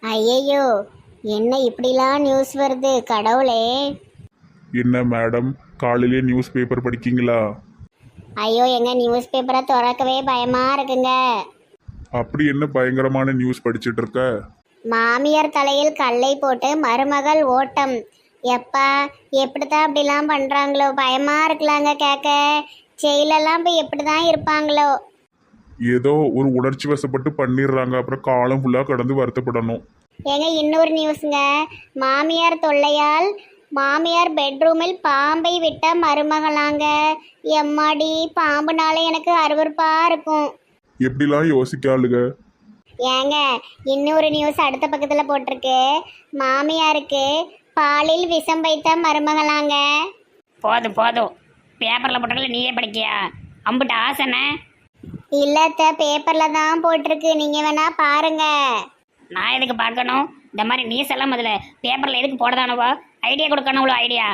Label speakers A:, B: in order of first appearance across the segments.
A: ஐயையோ, என்ன இப்படிலாம் நியூஸ் வருது கடவுளே.
B: என்ன மேடம், காலையிலே நியூஸ் பேப்பர் படிக்கீங்களா?
A: ஐயோ, எங்க நியூஸ் பேப்பரை திறக்கவே பயமா இருக்குங்க.
B: அப்படி என்ன பயங்கரமான நியூஸ் படிச்சிட்டு இருக்க?
A: மாமியார் தலையில் கல்லை போட்டு மருமகள் ஓட்டம். எப்பா, எப்படித்தான் அப்படிலாம் பண்றாங்களோ, பயமா இருக்கலாங்க கேட்க. செயலெல்லாம் இப்போ எப்படிதான் இருப்பாங்களோ.
B: ஏதோ ஒரு உணர்ச்சி வசப்பட்டு பண்ணிடுறாங்க, அப்புறம் காலம் ஃபுல்லாக கடந்து வருத்தப்படணும்.
A: ஏங்க இன்னொரு நியூஸுங்க. மாமியார் தொல்லையால் மாமியார் பெட்ரூமில் பாம்பை விட்ட மருமகளாங்க. எம்மாடி, பாம்புனால எனக்கு அருவருப்பா இருக்கும்.
B: எப்படிலாம் யோசிக்காளுங்க.
A: ஏங்க இன்னொரு நியூஸ் அடுத்த பக்கத்தில் போட்டிருக்கு. மாமியாருக்கு பாலில் விஷம் வைத்த மருமகளாங்க.
C: போதும் போதும், பேப்பரில் போட்டதில் நீயே படிக்கியா? அம்புட்டு ஆசைண்ணே.
A: இல்லத்த, பேப்பரில் தான் போட்டிருக்கு, நீங்கள் வேணா பாருங்க.
C: நான் எதுக்கு பார்க்கணும்? இந்த மாதிரி நியூஸ் எல்லாம் முதல்ல பேப்பரில் எதுக்கு போடதானவோ? ஐடியா கொடுக்கணும்ல ஐடியா.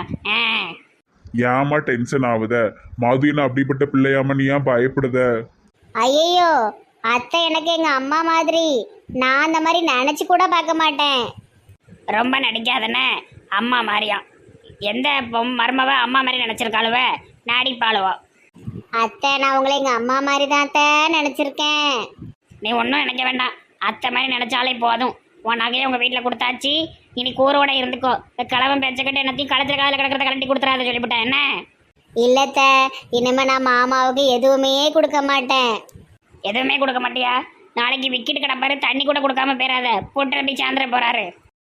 B: ஏமா டென்ஷன் ஆகுத? மது என்ன அப்படிப்பட்ட பிள்ளையாம நீ ஏன் பயப்படுத?
A: ஐயையோ, அத்தை எனக்கு எங்கள் அம்மா மாதிரி. நான் அந்த மாதிரி நினச்சி கூட பார்க்க மாட்டேன்.
C: ரொம்ப நடிக்காதண்ணே. அம்மா மாதிரியா? எந்த மருமவ அம்மா மாதிரி நினச்சிருக்காளுவ? நடிப்பாளுவோ?
A: அத்தை, நான் உங்களை எங்கள் அம்மா மாதிரி தான் அத்தை நினச்சிருக்கேன்.
C: நீ ஒன்றும் நினைக்க வேண்டாம். அத்தை மாதிரி நினச்சாலே போதும். உன் நகையை உங்கள் வீட்டில் கொடுத்தாச்சு, இனி கூரோட இருந்துக்கோ. இந்த கிழவன் பேச்சக்கிட்ட என்னத்தையும் கழுத்துல காலில் கிடக்கிறத கலட்டி கொடுத்துறாத சொல்லிவிட்டேன். என்ன?
A: இல்லத்த, இனிமே நான் மாமாவுக்கு எதுவுமே கொடுக்க மாட்டேன்.
C: எதுவுமே கொடுக்க மாட்டியா? நாளைக்கு விக்கிட்டு கிடப்பாரு, தண்ணி கூட கொடுக்காம போயிடாத. போட்டு நம்பி சாந்திர போறாரு.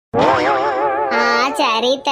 A: ஆ சரித்த.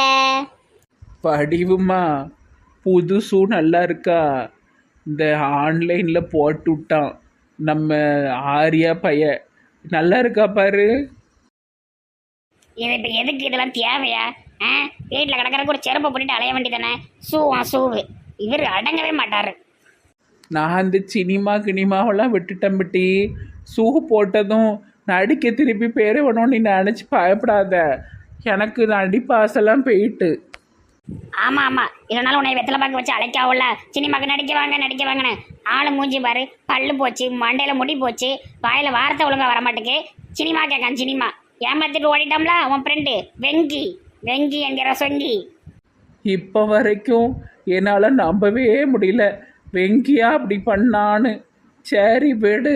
D: படிவுமா, புதுசும் நல்லா இருக்கா? இந்த ஆன்லைனில் போட்டு விட்டான் நம்ம ஆரியா பைய. நல்லா இருக்கா பாரு.
C: இது இப்போ எதுக்கு இதெல்லாம் தேவையா? வீட்டில் கிடக்கிறக்கு ஒரு செருப்பை போட்டுட்டு அலைய வேண்டியதானே? சூவு இவர் அடங்கவே மாட்டார்.
D: நான் அந்த கினிமாவெல்லாம் விட்டுட்டேன் பட்டி. ஷூ போட்டதும் நடிக்க திருப்பி பேர் வேணும். நீ நினச்சி பயப்படாத, எனக்கு நடிப்பாசெல்லாம் போயிட்டு.
C: ஆமாம் ஆமாம், இதனால உன்னை வெத்தலை பார்க்க வச்சு அழைக்காவுல. சினிமாக்கு நடிக்க வாங்கன்னு ஆளு மூஞ்சி பாரு. பல்லு போச்சு, மண்டையில் முடி போச்சு, வாயில் வார்த்தை ஒழுங்காக வரமாட்டுக்கு. Cinema கேட்கான் cinema. ஏமாத்திட்டு ஓடிட்டோம்ல உன் ஃப்ரெண்டு வெங்கி என்கிற சொங்கி.
D: இப்போ வரைக்கும் என்னால் நம்பவே முடியல வெங்கியா அப்படி பண்ணான்னு. சரி விடு.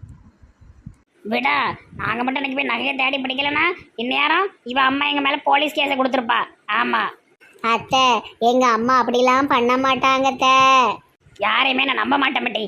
C: விடா, நாங்கள் மட்டும் எனக்கு போய் நகையை தேடி பிடிக்கலன்னா இந்நேரம் இவன் அம்மா எங்கள் மேலே போலீஸ் கேஸை கொடுத்துருப்பா. ஆமாம்
A: அத்தை, எங்க அம்மா அப்படிலாம் பண்ண மாட்டாங்க அத்தை.
C: யாரையுமே நான் நம்ப மாட்டேன் மட்டி.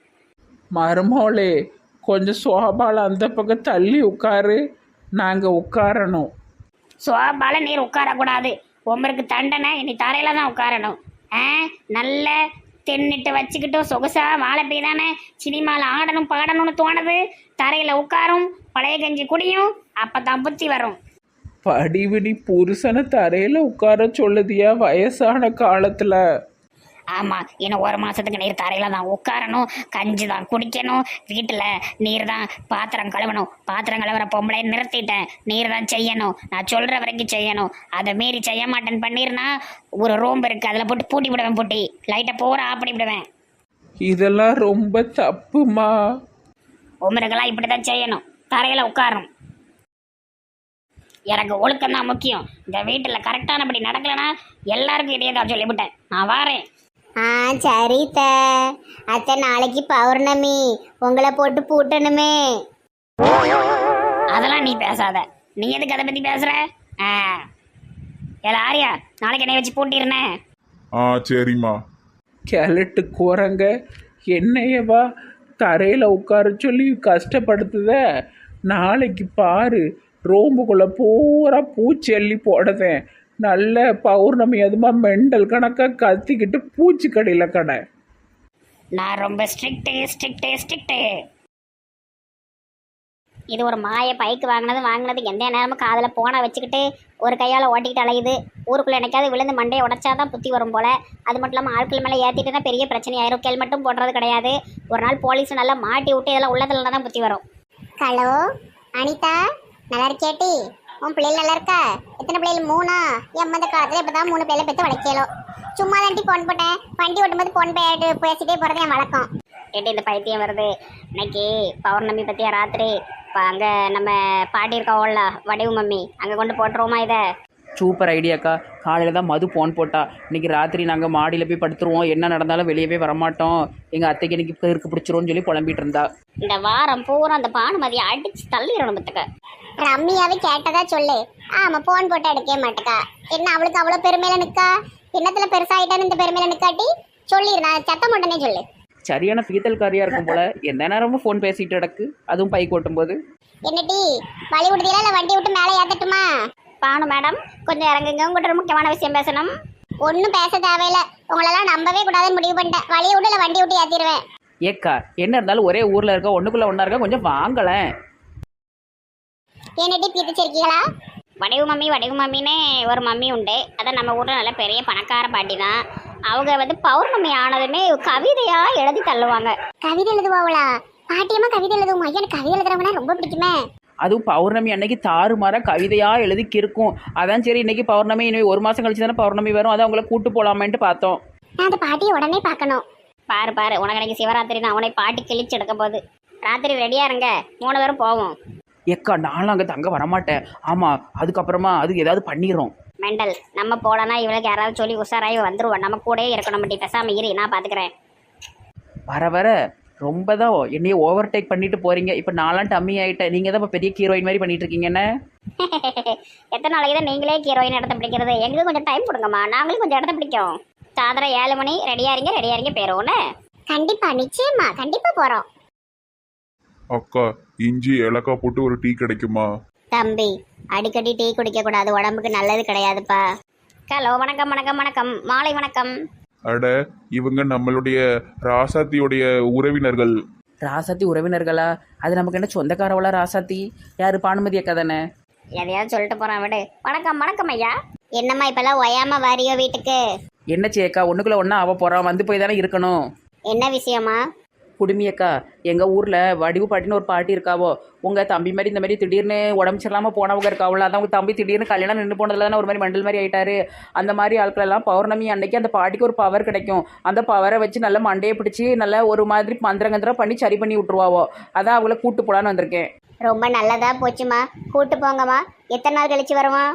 D: மருமோளே, கொஞ்சம் சோபால அந்த பக்கம் தள்ளி உட்காரு, நாங்கள் உட்காரணும்.
C: சோபால நீர் உட்காரக்கூடாது. உமருக்கு தண்டனை இனி தரையில தான் உட்காரணும். நல்ல தின்னுட்டு வச்சுக்கிட்டு சொகுசா வாழைப்பை தானே சினிமாவில் ஆடணும் பாடணும்னு தோணுது. தரையில் உட்காரும், பழைய கஞ்சி குடியும், அப்போ தான் புத்தி வரும்.
D: படிவினி புருஷனை தரையில் உட்கார சொல்லுதியா வயசான காலத்தில்?
C: ஆமாம், இன்னும் ஒரு மாதத்துக்கு நீர் தரையில் தான் உட்காரணும், கஞ்சி தான் குடிக்கணும், வீட்டில் நீர் தான் பாத்திரம் கழுவணும். பாத்திரம் கழுவுற பொம்பளை நிறுத்திட்டேன். நீர் தான் செய்யணும், நான் சொல்கிற வரைக்கும் செய்யணும். அதை மீறி செய்ய மாட்டேன்னு பண்ணிருனா ஒரு ரூம் இருக்குது, அதில் போட்டு பூட்டி விடுவேன். பூட்டி லைட்டை பூரா ஆஃப் பண்ணி விடுவேன்.
D: இதெல்லாம் ரொம்ப தப்புமா.
C: உமருக்கெல்லாம் இப்படி தான் செய்யணும், தரையில் உட்காரணும். எனக்கு ஒழுக்கம் தான் முக்கியம். இந்த வீட்டில் கரெக்டானபடி நடக்கலைன்னா எல்லாருக்கும் இடையே தான் சொல்லிவிட்டேன். நான் வாரேன்.
A: ஆ சரித்த. அத்தை, நாளைக்கு பௌர்ணமி, உங்களை போட்டு பூட்டணுமே.
C: அதெல்லாம் நீ பேசாத. நீ எதுக்கு அதை பற்றி பேசுகிற? ஆரியா, நாளைக்கு என்னை வச்சு பூட்டிருந்தேன்.
B: சரிம்மா.
D: கிழட்டு குரங்க என்னையவா தரையில் உட்கார சொல்லி கஷ்டப்படுத்துத. நாளைக்கு பாரு, ரோம்புக்குள்ளே பூரா பூச்சி அள்ளி போடுதேன். நல்ல பௌர்ணமி அதுமா மெண்டல் கணக்காக கத்திக்கிட்டு பூச்சி கடையில் கடை.
C: நான் ரொம்ப ஸ்ட்ரிக்ட்டு. இது ஒரு மாய பைக்கு வாங்கினது எந்த நேரமும் காதில் போனை வச்சுக்கிட்டு ஒரு கையால் ஓட்டிக்கிட்டு அலையுது. ஊருக்குள்ளே என்னைக்காவது விழுந்து மண்டையை உடச்சாதான் புத்தி வரும் போல். அது மட்டும் இல்லாமல் ஆட்கள் மேலே ஏற்றிட்டுனா பெரிய பிரச்சனை ஆயிரும். ஹெல்மெட்டும் போடுறது கிடையாது. ஒரு நாள் போலீஸ் நல்லா மாட்டி விட்டு இதெல்லாம் உள்ளதுல தான் புத்தி வரும்.
A: ஹலோ அனிதா, நல்லா இருக்கேட்டி? உன் பிள்ளைகள் நல்லா இருக்கா? எத்தனை பிள்ளைகள்? 3? எம்மந்த காலத்தில் இப்போ தான் 3 பிள்ளைகளை பெற்று வளர்க்கலோ. சும்மா தாண்டி ஃபோன் போட்டேன். வண்டி ஓட்டும்போது ஃபோன் பேசிட்டே போகிறது என் வழக்கம்.
C: கேட்டு இந்த பைத்தியம் வருது. இன்னைக்கு பௌர்ணமி பத்தியா ராத்திரி அங்க நம்ம பாட்டி இருக்கோம்ல வடிவு மம்மி, அங்க கொண்டு போட்டுருவோமா இதை?
E: சூப்பர் ஐடியாக்கா. காலையில் தான் மது ஃபோன் போட்டா, இன்றைக்கி ராத்திரி நாங்கள் மாடியில் போய் படுத்துருவோம், என்ன நடந்தாலும் வெளியவே வரமாட்டோம், எங்கள் அத்தைக்கு இன்னைக்கு பெருக்கு பிடிச்சிருவோன்னு சொல்லி புலம்பிட்டு இருந்தா.
C: இந்த வாரம் பூரா அந்த பானுமதியை அடிச்சு தள்ளிடணும் பத்துக்க.
A: ரம்மியாவே கேட்டதா சொல்லு. ஆமா, போன் போட்டு எடுக்கவே மாட்டேக்கா. என்ன அவளுக்கு அவ்வளவு பெருமையில நிக்கா? என்னத்துல பெருசாயிட்டான்னு இந்த பெருமையில நிக்காட்டி சொல்லிடு, நான் சத்தம் போட்டனே சொல்லு.
E: சரியான பீத்தல்காரியாக இருக்கும் போல, எந்த நேரமும் ஃபோன் பேசிகிட்டு கிடக்கு, அதுவும் பைக் ஓட்டும் போது.
A: என்னடி வழி விடுதீங்களா இல்ல வண்டி விட்டு மேலே ஏத்தட்டுமா?
C: பானு மேடம் கொஞ்சம் இறங்குங்க, உங்கள்கிட்ட ஒரு முக்கியமான விஷயம் பேசணும்.
A: ஒன்னும் பேச தேவையில்ல, உங்களெல்லாம் நம்பவே கூடாதுன்னு முடிவு பண்ணிட்டேன். வழியை விட்டு இல்ல வண்டி விட்டு ஏத்திடுவேன்.
E: ஏக்கா என்ன இருந்தாலும் ஒரே ஊரில் இருக்க, ஒன்றுக்குள்ளே ஒன்றா இருக்க, கொஞ்சம் வாங்கலேன்.
A: என்னடி பீத்திச்சிருக்கீங்களா?
C: வடிவு மம்மின்னு ஒரு மம்மி உண்டு. அதான் நம்ம ஊரில் நல்ல பெரிய பணக்கார பாட்டி தான். அவங்க வந்து பௌர்ணமி ஆனதுமே கவிதையா எழுதி தள்ளுவாங்க.
A: கவிதை எழுதுவாங்களா? பாட்டியம்மா கவிதை எழுதுவோம். ஐயா, எனக்கு கவிதை எழுதுறவனா ரொம்ப பிடிக்குமே.
E: அதுவும் பௌர்ணமி அன்னைக்கு தாறுமாற கவிதையாக எழுதி கிறுக்கும். அதான் சரி, இன்னைக்கு பௌர்ணமி, இன்னும் ஒரு மாதம் கழிச்சு தானே பௌர்ணமி வரும், அதான் உங்களை கூட்டு போகலாமேன்ட்டு பார்த்தோம்.
A: நான் அந்த பாட்டியை உடனே பார்க்கணும்.
C: பாரு உனக்கு அன்னைக்கு சிவராத்திரி தான், உன்னை பாட்டி கிழிச்சு எடுக்க போகுது. ராத்திரி ரெடியா இருங்க, 3 பேரும் போவோம்.
E: ஏக்கா நானும் அங்கே தங்க வரமாட்டேன். ஆமாம், அதுக்கப்புறமா அது ஏதாவது பண்ணிடுறோம்.
C: மெண்டல், நம்ம போலனா இவளுக்கு யாராவது சொல்லி உஷாராகி வந்துருவோம். நம்ம கூடயே இருக்கணும். மட்டும் பேசாம இரு, நான் பார்த்துக்கிறேன்.
E: வர வர ரொம்ப தான் என்னையே ஓவர் டேக் பண்ணிட்டு போறீங்க. இப்போ நான்லாம் டம்மி ஆகிட்டேன், நீங்கள் தான் இப்போ பெரிய ஹீரோயின் மாதிரி பண்ணிட்டு இருக்கீங்கன்னு.
C: எத்தனை நாளைக்கு தான் நீங்களே ஹீரோயின் இடத்த பிடிக்கிறது? எங்களுக்கு கொஞ்சம் டைம் கொடுங்கம்மா, நாங்களும் கொஞ்சம் இடத்த பிடிக்கும். சாயந்தரம் 7 மணி ரெடியா இருங்க போயிடுவோன்னு.
A: கண்டிப்பா, நிச்சயமா, கண்டிப்பா போறோம்.
B: அக்கா, இஞ்சி ஏலக்காய் போட்டு ஒரு டீ கிடைக்குமா?
A: தம்பி, அடிக்கடி டீ குடிக்க கூடாது, உடம்புக்கு நல்லது கிடையாதுப்பா.
C: ஹலோ, வணக்கம். மாலை வணக்கம்.
B: அட, இவங்க நம்மளுடைய ராசாத்தியோடைய உறவினர்கள்.
E: ராசாத்தி உறவினர்களா? அது நமக்கு என்ன சொந்தக்காரவளா ராசாத்தி? யாரு, பானுமதி அக்கா தானே?
C: எதையாவது சொல்லிட்டு போறான் விடு. வணக்கம் ஐயா.
A: என்னம்மா இப்பெல்லாம் ஒயாம வாரியோ வீட்டுக்கு?
E: என்ன சேக்கா, ஒன்றுக்குள்ளே ஒன்றா அவ போகிறான், வந்து போய் தானே இருக்கணும்.
A: என்ன விஷயமா?
E: குடுமியக்கா, எங்கள் ஊரில் வடிவு பாட்டின்னு ஒரு பாட்டி இருக்காவோ, உங்கள் தம்பி மாதிரி இந்த மாதிரி திடீர்னு உடம்பு சரியில்லாமல் போனவங்க இருக்காவல, அதான் உங்கள் தம்பி திடீர்னு கல்யாணம் நின்று போனதுல தானே ஒரு மாதிரி மண்டல் மாதிரி ஆயிட்டாரு. அந்த மாதிரி ஆட்களெல்லாம் பௌர்ணமி அன்னைக்கு அந்த பாட்டிக்கு ஒரு பவர் கிடைக்கும். அந்த பவரை வச்சு நல்லா மண்டையை பிடிச்சி நல்லா ஒரு மாதிரி மந்திரங்கந்திரம் பண்ணி சரி பண்ணி விட்ருவாவோ. அதான் அவங்கள கூட்டு போலான்னு வந்திருக்கேன்.
A: ரொம்ப நல்லதா போச்சுமா, கூட்டு போங்கம்மா. எத்தனை நாள் கழிச்சு வருவான்?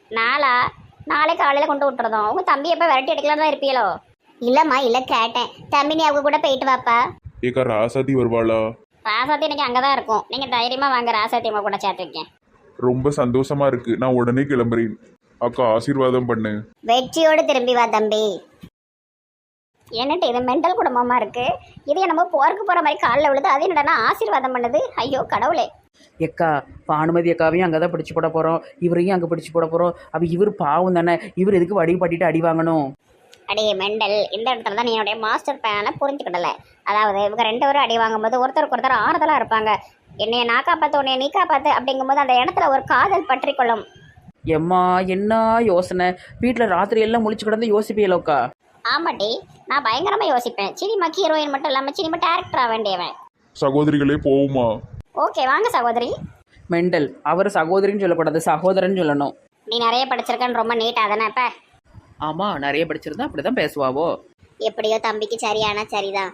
C: நாளை காலையில் கொண்டு விட்டுறதும். உங்கள் தம்பி எப்போ விரட்டி எடுக்கலாம் தான் இருப்பீங்களோ?
A: இல்லம்மா, இல்ல கேட்டேன். தம்பி நீ அவங்க கூட போயிட்டு வாப்பா.
B: ஏக்கா, ராசாத்தி வருவாளா?
C: ராசாத்தி இன்னைக்கு அங்கே தான் இருக்கும். நீங்கள் தைரியமாக வாங்க, ராசாத்தி அம்மா கூட சேர்த்து வைக்கேன்.
B: ரொம்ப சந்தோஷமா இருக்கு, நான் உடனே கிளம்புறேன். அக்கா, ஆசீர்வாதம் பண்ணு.
A: வெற்றியோடு திரும்பி வா தம்பி.
C: என்னட்டு இது மெண்டல் குடும்பமாக இருக்குது. இது என்னமோ போருக்கு போகிற மாதிரி காலில் விழுது, அது என்னடா ஆசீர்வாதம் பண்ணுது. ஐயோ கடவுளே.
E: எக்கா, பானுமதி அக்காவையும் அங்கே தான் பிடிச்சி போட போகிறோம், இவரையும் அங்கே பிடிச்சி போட போகிறோம். அப்போ இவர் பாவம் தானே, இவர் எதுக்கு வடிவு பாட்டிட்டு அடி வாங்கணும்?
C: அடே மெண்டல், இந்த இடத்துல தான் நீ என்னுடைய மாஸ்டர் பிளானை புரிஞ்சுக்கிடலை. அதாவது இவங்க 2 பேரும் அடி வாங்கும்போது ஒருத்தருக்கு ஆறுதலாக இருப்பாங்க. என்னைய நான் காப்பாற்று, உன்னைய நீ காப்பாற்று அப்படிங்கும்போது அந்த இடத்துல ஒரு காதல் பற்றி கொள்ளும்.
E: எம்மா என்ன யோசனை! வீட்டில் ராத்திரி எல்லாம் முழிச்சு கிடந்து யோசிப்பீங்களோக்கா?
C: ஆமாட்டி, நான் பயங்கரமாக யோசிப்பேன். சினிமா ஹீரோயின் மட்டும் இல்லாமல் சினிமா டேரக்டர் ஆக வேண்டியவன்.
B: சகோதரிகளே, போவுமா?
C: ஓகே வாங்க சகோதரி.
E: மெண்டல், அவர் சகோதரின்னு சொல்லக்கூடாது, சகோதரன் சொல்லணும்.
C: நீ நிறைய படிச்சிருக்கன்னு ரொம்ப நீட்டாக தானே இப்போ?
E: ஆமாம், நிறைய படிச்சிருந்தா அப்படி தான் பேசுவாவோ.
A: எப்படியோ தம்பிக்கு சரியானா சரிதான்.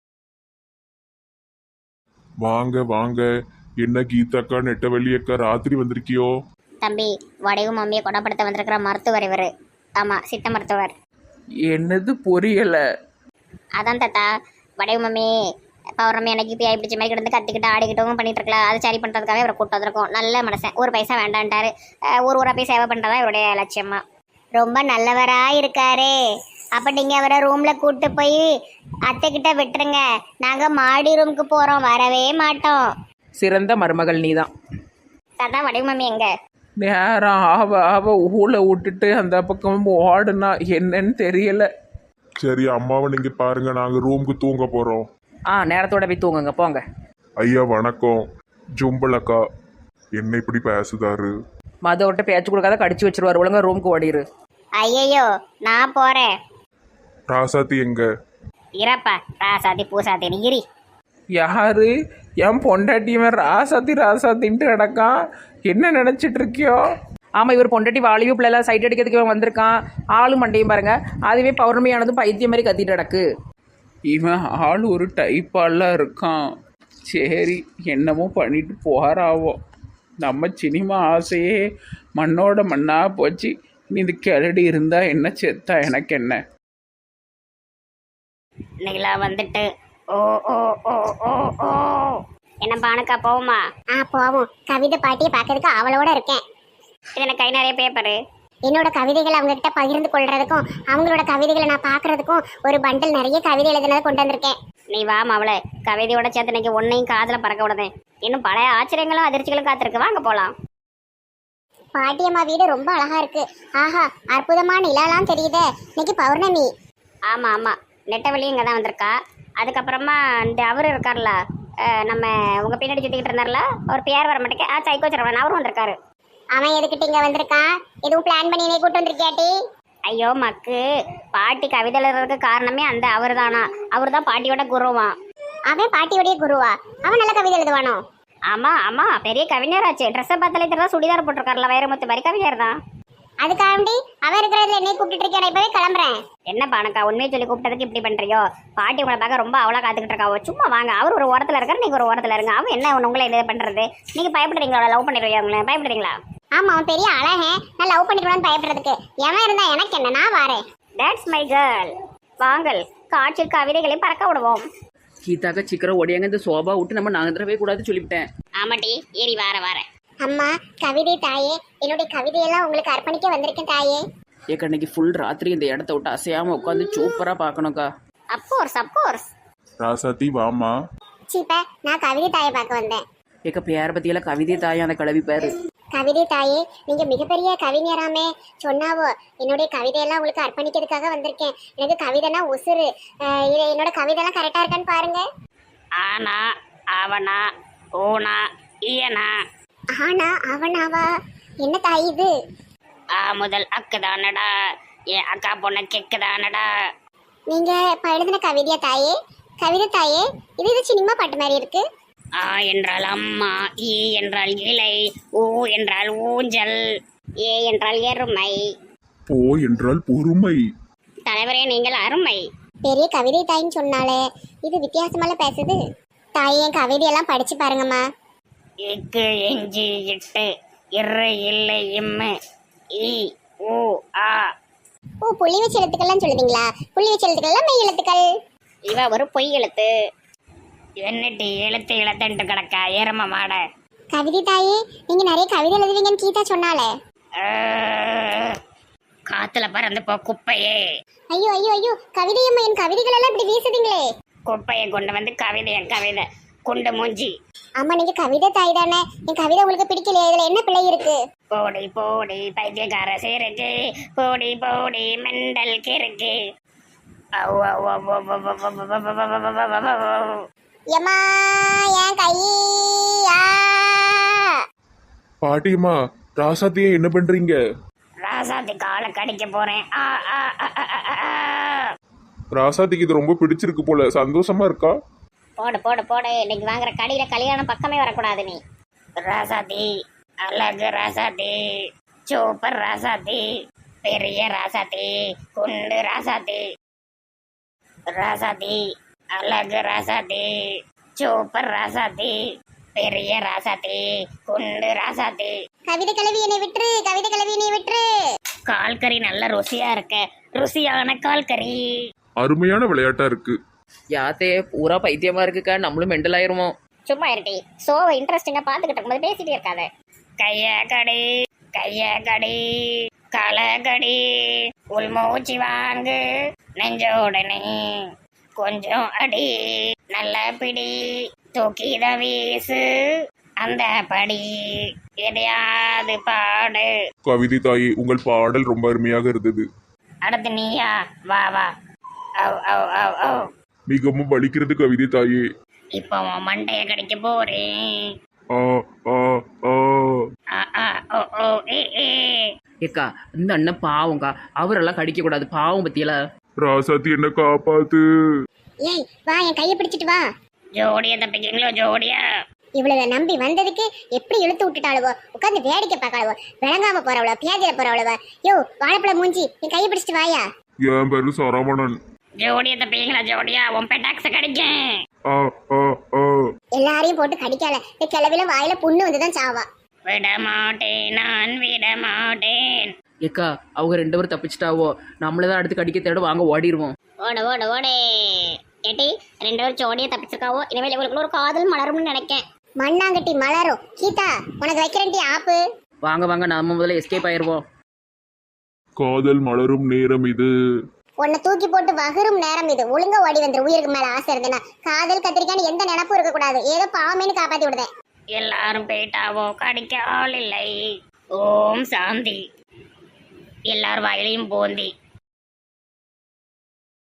B: வாங்க வாங்க. என்ன கீதாக்கா, நெட்டவள்ளி அக்கா, ராத்திரி வந்திருக்கியோ?
C: தம்பி, வடிவு மம்மியை குணப்படுத்த வந்திருக்கிற மருத்துவர் இவர். ஆமாம், சித்த மருத்துவர்.
D: என்னது புரியலை?
C: அதான் தாத்தா, வடிவு மம்மி பௌர்ணமி அன்னைக்கு பிஐ பிடிச்ச மாதிரி கிடந்து கத்திக்கிட்டு ஆடிக்கிட்டும் பண்ணிட்டு இருக்கலாம். அது சரி பண்ணுறதுக்காக இவரை கூட்டு வந்திருக்கோம். நல்ல மனுஷன், ஒரு பைசா வேண்டான்ட்டாரு. ஊராக போய் சேவை பண்ணுறதா இவருடைய லட்சியமா.
A: ரொம்ப நல்லவரா இருக்காரே. அப்ப நீங்க அவரை ரூம்ல கூட்டு போய் அத்தை கிட்ட விட்டுருங்க. நாங்க மாடி ரூமுக்கு போறோம், வரவே மாட்டோம்.
E: சிறந்த மருமகள் நீதான்.
C: தாத்தா, வடிவு மம்மி எங்க?
D: நேரம் அவ ஊழ விட்டுட்டு அந்த பக்கம் ஓடுனா என்னன்னு தெரியல.
B: சரி, அம்மாவை நீங்க பாருங்க, நாங்க ரூமுக்கு தூங்க போறோம்.
E: நேரத்தோட போய் தூங்குங்க, போங்க.
B: ஐயா வணக்கம். ஜும்பல் அக்கா, என்ன இப்படி பேசுதாரு?
E: மதவிட்ட பேச்சு கொடுக்காத, கடிச்சு வச்சிருவாரு. ஒழுங்கா ரூமுக்கு ஓடிரு.
A: ஐயையோ, நான் போறேன்.
B: ராசாத்தி எங்க?
C: இறப்பா, ராசாத்தி பூசாத்தி நீரி.
D: யாரு? என் பொண்டாட்டியவன் ராசாத்தின்ட்டு கிடக்கான். என்ன நினைச்சிட்டு இருக்கியோ?
E: ஆமாம், இவர் பொண்டாட்டி வாலிபு பிள்ளைலாம் சைட் அடிக்கிறதுக்கு இவன் வந்திருக்கான். ஆளும் மண்டையும் பாருங்க, அதுவே பௌர்ணமியானதும் பைத்தியம் மாதிரி கத்திட்டு கிடக்கு.
D: இவன் ஆள் ஒரு டைப்பாலாம் இருக்கான். சரி, என்னமோ பண்ணிட்டு போகிறாவோ. நம்ம சினிமா ஆசையே மண்ணோட மண்ணா போச்சு. நீ இது கிளடி இருந்தா என்ன, செத்தா எனக்கு என்ன.
C: நிலா வந்துட்டு ஓ ஓ ஓ ஓ ஓ என்ன பானுக்கா போவோமா?
A: போவோம். கவிதை பாட்டியை பார்க்கறதுக்கு அவளோட இருக்கேன்.
C: இது எனக்கு கை நிறைய பேப்பரு.
A: என்னோட கவிதைகளை அவங்க கிட்ட பகிர்ந்து கொள்றதுக்கும் அவங்களோட கவிதைகளை நான் பார்க்கறதுக்கும் ஒரு பண்டில் நிறைய கவிதை எழுதுனதை கொண்டு வந்திருக்கேன்.
C: நீ வா அவளை கவிதையோட சேர்த்து இன்னைக்கு ஒன்னையும் காதுல பறக்க விடுதேன். இன்னும் பழைய ஆச்சரியங்களும் அதிர்ச்சிகளும் காத்திருக்கு. வாங்க போலாம்.
A: பாட்டியம்மா வீடு ரொம்ப அழகா இருக்கு. ஆஹா, அற்புதமான நிலாலாம் தெரியுதே. இன்னைக்கு பௌர்ணமி.
C: ஆமா ஆமா, நெட்டவெளி இங்கே தான் வந்திருக்கா. அதுக்கப்புறமா இந்த அவர் இருக்கார்ல, நம்ம உங்க பின்னாடி சுத்திக்கிட்டு இருந்தார்ல, அவர் பேர் வர மாட்டேங்க. சைக்கோ சரவணன், அவரும் வந்திருக்காரு.
A: அவன் எதுக்கிட்ட இங்க வந்திருக்கான்? எதுவும் பிளான் பண்ணி என்னை கூட்டு வந்திருக்கியாட்டி?
C: ஐயோ மக்கு, பாட்டி கவிதை எழுதுறதுக்கு காரணமே அந்த அவர் தானா. அவர் தான் பாட்டியோட குருவான்.
A: அவன் பாட்டியோடைய குருவா? அவன் நல்ல கவிதை எழுதுவானோ?
C: ஆமா ஆமா, பெரிய கவிஞராச்சு. ட்ரெஸ்ஸை பார்த்தாலே தெரியல, சுடிதார் போட்டிருக்காருல, வைரமுத்து மாதிரி கவிஞர் தான்.
A: அதுக்காண்டி அவன் இருக்கிறதுல என்னை கூப்பிட்டு இருக்கேன். இப்பவே கிளம்புறேன்.
C: என்ன பானக்கா, உண்மையை சொல்லி கூப்பிட்டதுக்கு இப்படி பண்றியோ? பாட்டி உங்களை பார்க்க ரொம்ப அவளா காத்துக்கிட்டு இருக்காவோ. சும்மா வாங்க, அவர் ஒரு ஓரத்துல இருக்காரு, நீங்க ஒரு ஓரத்துல இருங்க. அவன் என்ன உங்களை இது பண்றது? நீங்க பயப்படுறீங்களா? லவ் பண்ணிடுவீங்க அவங்கள? பயப்படுறீங்களா?
A: ஆமா, அவன் பெரிய அழகன். நான் லவ் பண்ணிக்கணும்னு பயப்படுறதுக்கு எவன் இருந்தா எனக்கு என்ன? நான் வாரேன்.
C: That's my girl. வாங்கள், காற்றில் கவிதைகளை பறக்க விடுவோம்.
E: கீதாக்கா சீக்கிரம் ஓடியாங்க, இந்த சோபா விட்டு நம்ம நகர்றவே கூடாது சொல்லிவிட்டேன்.
C: ஆமாட்டி, ஏறி வார
A: அம்மா, கவிதை தாயே, என்னுடைய கவிதையெல்லாம் உங்களுக்கு அர்ப்பணிக்க வந்திருக்கேன் தாயே.
E: ஏக்கா இன்னைக்கு ஃபுல் ராத்திரி இந்த இடத்த விட்டு அசையாம உட்காந்து சூப்பரா பார்க்கணும்க்கா.
C: அப்கோர்ஸ்.
B: ராசாத்தி வாமா.
A: சீப்ப, நான் கவிதை தாயை பார்க்க வந்தேன்.
E: ஏக்கா பேர பத்தியெல்லாம் கவிதை தாயா அந்த கிளவி பேரு.
A: கவிதை தாயே, நீங்க மிகப்பெரிய கவிஞராமே சொன்னாவோ. என்னுடைய கவிதையெல்லாம் உங்களுக்கு அர்ப்பணிக்கிறதுக்காக வந்திருக்கேன். எனக்கு கவிதைனா உசுறு. என்னோட கவிதைலாம் கரெக்டா இருக்கான்னு பாருங்க.
C: ஆனா அவனா ஓனா ஈயனா.
A: ஆனா அவனாவா? என்ன தாய் இது?
C: முதல் அக்குதானடா, என் அக்கா பொண்ண கெக்குதானடா.
A: நீங்க இப்ப எழுதின கவிதையா தாயே? கவிதை தாயே, இது சினிமா பாட்டு மாதிரி இருக்கு.
C: ஆ என்றால் அம்மா, ஈ என்றால் இலை, ஊ என்றால் ஊஞ்சல், ஏ என்றால் எருமை,
B: போ என்றால் பொறுமை.
C: தலைவரே நீங்கள் அருமை.
A: பெரிய கவிதை தாயின்னு சொன்னாலே இது வித்தியாசமால பேசுது. தாயே, என் கவிதையெல்லாம் படிச்சு பாருங்கம்மா.
C: இக்கு எஞ்சி இட்டு இரு இல்லை இம்மு ஈ ஊ ஆ.
A: ஓ, புள்ளி வச்ச எழுத்துக்கள்லாம் சொல்லுவீங்களா? புள்ளி வச்ச எழுத்துக்கள்லாம் மெய் எழுத்துக்கள்.
C: இவ ஒரு பொய் எழுத்து. என்னட்டி எழுத்து எழுத்துன்ட்டு கிடக்கா எரும மாட.
A: கவிதை தாயே, நீங்க நிறைய கவிதை எழுதுவீங்கன்னு கீதா சொன்னாலே.
C: காத்துல பறந்து போ குப்பையே.
A: ஐயோ ஐயோ ஐயோ, கவிதையம்மா, என் கவிதைகள் எல்லாம் இப்படி வீசுதீங்களே.
C: குப்பையை கொண்டு வந்து கவிதை, என் கவிதை குண்டு மூஞ்சி.
A: ஆமா, நீங்க கவிதை தாய் தானே. என் கவிதை உங்களுக்கு பிடிக்கலையே, இதுல என்ன பிள்ளை இருக்கு?
C: போடி போடி பைத்தியக்கார சேருக்கு, போடி போடி மெண்டல் கிறுக்கு.
A: எம்மா, என் கையா.
B: பாட்டியம்மா, ராசாத்தியே என்ன பண்றீங்க?
C: ராசாத்தி காலை கடிக்க போறேன்.
B: ராசாத்திக்கு இது ரொம்ப பிடிச்சிருக்கு போல, சந்தோஷமா இருக்கா?
C: போடு போடு போடு, இன்னைக்கு வாங்குற கடையில கல்யாணம் பக்கமே வரக்கூடாது நீ. ராசாத்தி, அழகு ராசாத்தி, சூப்பர் ராசாத்தி, பெரிய ராசாத்தி, குண்டு ராசாத்தி. ராசாத்தி, அழகு ராசாத்தி, சூப்பர் ராசாத்தி, பெரிய ராசாத்தி, குண்டு ராசாத்தி.
A: கவிதை கிளவி என்னை விட்டுரு, கவிதை கிளவி என்னை விட்டுரு.
C: கால்கறி நல்ல ருசியா இருக்க, ருசியான கால்கறி.
B: அருமையான விளையாட்டா இருக்கு.
E: யாத்தே பூரா பைத்தியமா இருக்குக்கா, நம்மளும் மெண்டல் ஆயிருவோம்.
C: சும்மா இருட்டி, சோவை இன்ட்ரெஸ்டிங்கா பாத்துக்கிட்டு இருக்கும்போது பேசிட்டே இருக்காத. கைய கடி, கைய கடி, களை கடி, உள்மூச்சி வாங்கு, நெஞ்சோடனே கொஞ்சம் அடி, நல்ல பிடி, தூக்கித வீசு, அந்த படி, எதையாவது பாடு.
B: கவிதை தாயே, உங்கள் பாடல் ரொம்ப அருமையாக இருந்தது.
C: அடுத்து நீயா? வா வா. அவ் அவ் அவ் அவ்.
B: மிகவும் வலிக்கிறது கவிதை தாயே.
C: இப்போ உன் மண்டைய கடிக்க போறேன்.
B: ஆ ஆ ஆ.
C: ஓ ஓ ஏ ஏ.
E: ஏக்கா இந்த அண்ணன் பாவம்க்கா, அவரெல்லாம் கடிக்க கூடாது, பாவம் பத்தியல.
B: ராசாத்தி என்ன காப்பாத்து.
A: ஏய் வா, என் கையை பிடிச்சிட்டு வா.
C: ஜோடியா தப்பிக்கிறீங்களோ? ஜோடியா?
A: இவ்வளவு நம்பி வந்ததுக்கு எப்படி இழுத்து விட்டுட்டாளுவோ, உட்காந்து வேடிக்கை பார்க்காளுவோ, விளங்காம போறவளோ, பியாஜில போறவளவோ. யோ வாழைப்பழம் மூஞ்சி, என் கையை பிடிச்சிட்டு வாயா.
B: என் பேரு சரவணன்.
C: ஜோடியா தப்பிங்களா ஜோடியா உன் பெட்டாக்ஸ கிடைக்கும்.
B: ஆ ஆ ஆ
A: எல்லாரையும் போட்டு கடிக்கால இந்த கிளவில வாயில புண்ணு வந்துதான் சாவா.
C: விட மாட்டேன் நான் விட மாட்டேன்.
E: ஏக்கா அவங்க 2 பேரும் தப்பிச்சிட்டாவோ, நம்மள தான் அடுத்து கடிக்க தேட வாங்க ஓடிடுவோம்.
A: ஓட ஓட ஓடே. ஏட்டி 2 பேரும் ஜோடியா தப்பிச்சிருக்காவோ, இனிமேல் இவங்களுக்குள்ள ஒரு காதல் மலரும்னு நினைக்கேன். மண்ணாங்கட்டி மலரும். கீதா உனக்கு வைக்கிறேன்டி ஆப்பு.
E: வாங்க வாங்க நம்ம முதல்ல எஸ்கேப் ஆயிடுவோம்.
B: காதல் மலரும் நேரம் இது.
A: உன்னை தூக்கி போட்டு வகுரும் நேரம் இது. ஒழுங்கா ஓடி வந்துரு. உயிருக்கு மேல ஆசை இருந்தேன்னா காதல் கத்திரிக்கான்னு எந்த நினப்பும் இருக்க கூடாது. ஏதோ பாமேன்னு காப்பாத்தி விடுதேன்.
C: எல்லாரும் போயிட்டாவோ, கடிக்க ஆள் இல்லை. ஓம் சாந்தி. எல்லார் வாயிலையும் போந்தி.